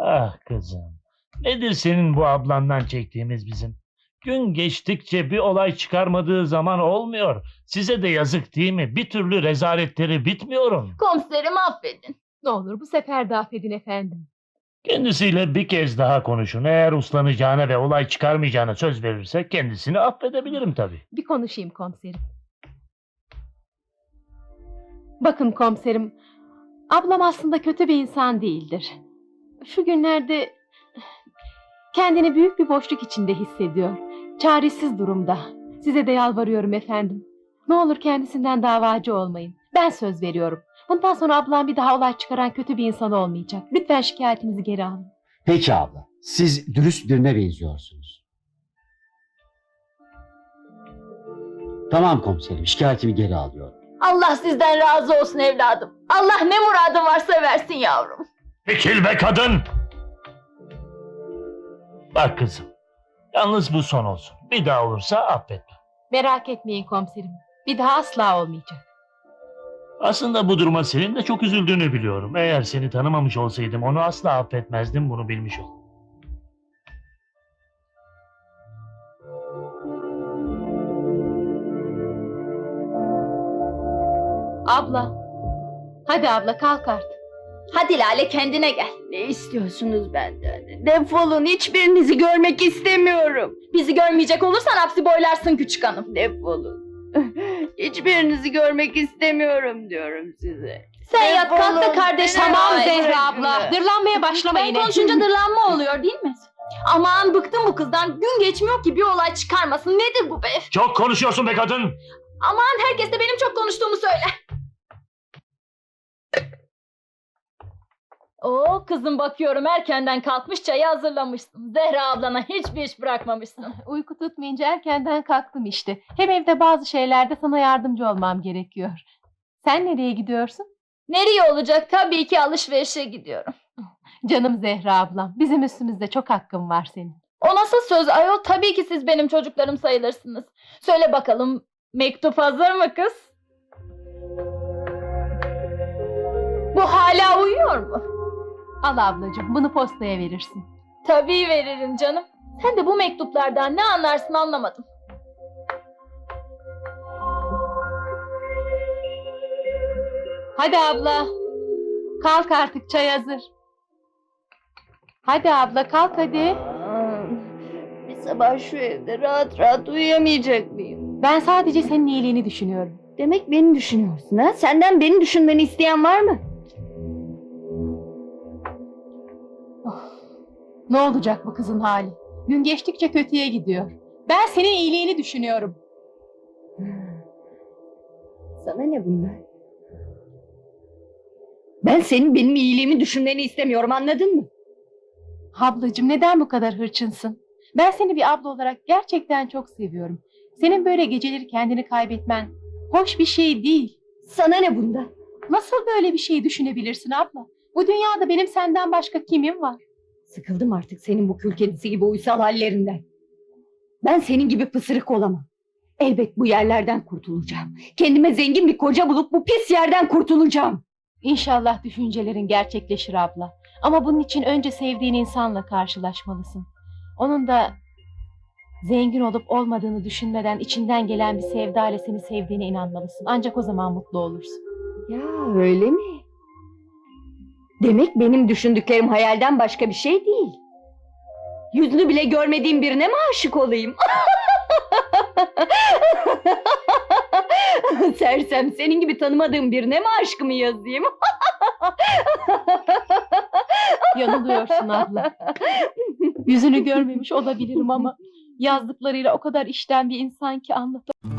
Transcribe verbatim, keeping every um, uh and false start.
Ah kızım. Nedir senin bu ablandan çektiğimiz bizim? Gün geçtikçe bir olay çıkarmadığı zaman olmuyor. Size de yazık değil mi? Bir türlü rezaletleri bitmiyorum. Komiserim affedin. Ne olur bu sefer de affedin efendim. Kendisiyle bir kez daha konuşun. Eğer uslanacağına ve olay çıkarmayacağına söz verirse kendisini affedebilirim tabii. Bir konuşayım komiserim. Bakın komiserim, ablam aslında kötü bir insan değildir. Şu günlerde kendini büyük bir boşluk içinde hissediyor. Çaresiz durumda. Size de yalvarıyorum efendim. Ne olur kendisinden davacı olmayın. Ben söz veriyorum. Bundan sonra ablam bir daha olay çıkaran kötü bir insan olmayacak. Lütfen şikayetinizi geri alın. Peki abla, siz dürüst birine benziyorsunuz. Tamam komiserim, şikayetimi geri alıyorum. Allah sizden razı olsun evladım. Allah ne muradın varsa versin yavrum. Çekil be kadın! Bak kızım. Yalnız bu son olsun. Bir daha olursa affetme. Merak etmeyin komiserim. Bir daha asla olmayacak. Aslında bu duruma senin de çok üzüldüğünü biliyorum. Eğer seni tanımamış olsaydım onu asla affetmezdim, bunu bilmiş ol. Abla. Hadi abla kalk artık. Hadi Lale kendine gel. Ne istiyorsunuz benden? Defolun, hiçbirinizi görmek istemiyorum. Bizi görmeyecek olursan hapsi boylarsın küçük hanım. Defolun. Hiçbirinizi görmek istemiyorum diyorum size. Sen yat kalk da Defolun. kardeşine Tamam dua et. Zehra abla. Dırlanmaya başlama Ben yine. konuşunca dırlanma oluyor değil mi? Aman bıktım bu kızdan. Gün geçmiyor ki bir olay çıkarmasın. Nedir bu be? Çok konuşuyorsun be kadın! Aman herkes de benim çok konuştuğumu söyler. Oo kızım bakıyorum erkenden kalkmış çayı hazırlamışsın. Zehra ablana hiçbir iş bırakmamışsın. Uyku tutmayınca erkenden kalktım işte. Hem evde bazı şeylerde sana yardımcı olmam gerekiyor. Sen nereye gidiyorsun? Nereye olacak? Tabii ki alışverişe gidiyorum. Canım Zehra ablam. Bizim üstümüzde çok hakkın var senin. O nasıl söz ayol? Tabii ki siz benim çocuklarım sayılırsınız. Söyle bakalım mektup hazır mı kız? Bu hala uyuyor mu? Al ablacığım bunu postaya verirsin. Tabii veririm canım. Sen de bu mektuplardan ne anlarsın anlamadım. Hadi abla. Kalk artık çay hazır. Hadi abla kalk hadi. Aa, bir sabah şu evde rahat rahat uyuyamayacak mıyım? Ben sadece senin iyiliğini düşünüyorum. Demek beni düşünüyorsun ha? Senden beni düşünmeni isteyen var mı? Ne olacak bu kızın hali? Gün geçtikçe kötüye gidiyor. Ben senin iyiliğini düşünüyorum. Sana ne bunlar? Ben senin benim iyiliğimi düşünmeni istemiyorum, anladın mı? Ablacığım neden bu kadar hırçınsın? Ben seni bir abla olarak gerçekten çok seviyorum. Senin böyle geceleri kendini kaybetmen hoş bir şey değil. Sana ne bunda? Nasıl böyle bir şey düşünebilirsin abla? Bu dünyada benim senden başka kimim var? Sıkıldım artık senin bu kül kedisi gibi uysal hallerinden. Ben senin gibi pısırık olamam. Elbet bu yerlerden kurtulacağım. Kendime zengin bir koca bulup bu pis yerden kurtulacağım. İnşallah düşüncelerin gerçekleşir abla. Ama bunun için önce sevdiğin insanla karşılaşmalısın. Onun da zengin olup olmadığını düşünmeden içinden gelen bir sevda ile seni sevdiğine inanmalısın. Ancak o zaman mutlu olursun. Ya öyle mi? Demek benim düşündüklerim hayalden başka bir şey değil. Yüzünü bile görmediğim birine mi aşık olayım? Sersem senin gibi tanımadığım birine mi aşkımı yazayım? Yanılıyorsun abla. Yüzünü görmemiş olabilirim ama yazdıklarıyla o kadar içten bir insan ki anlatamam.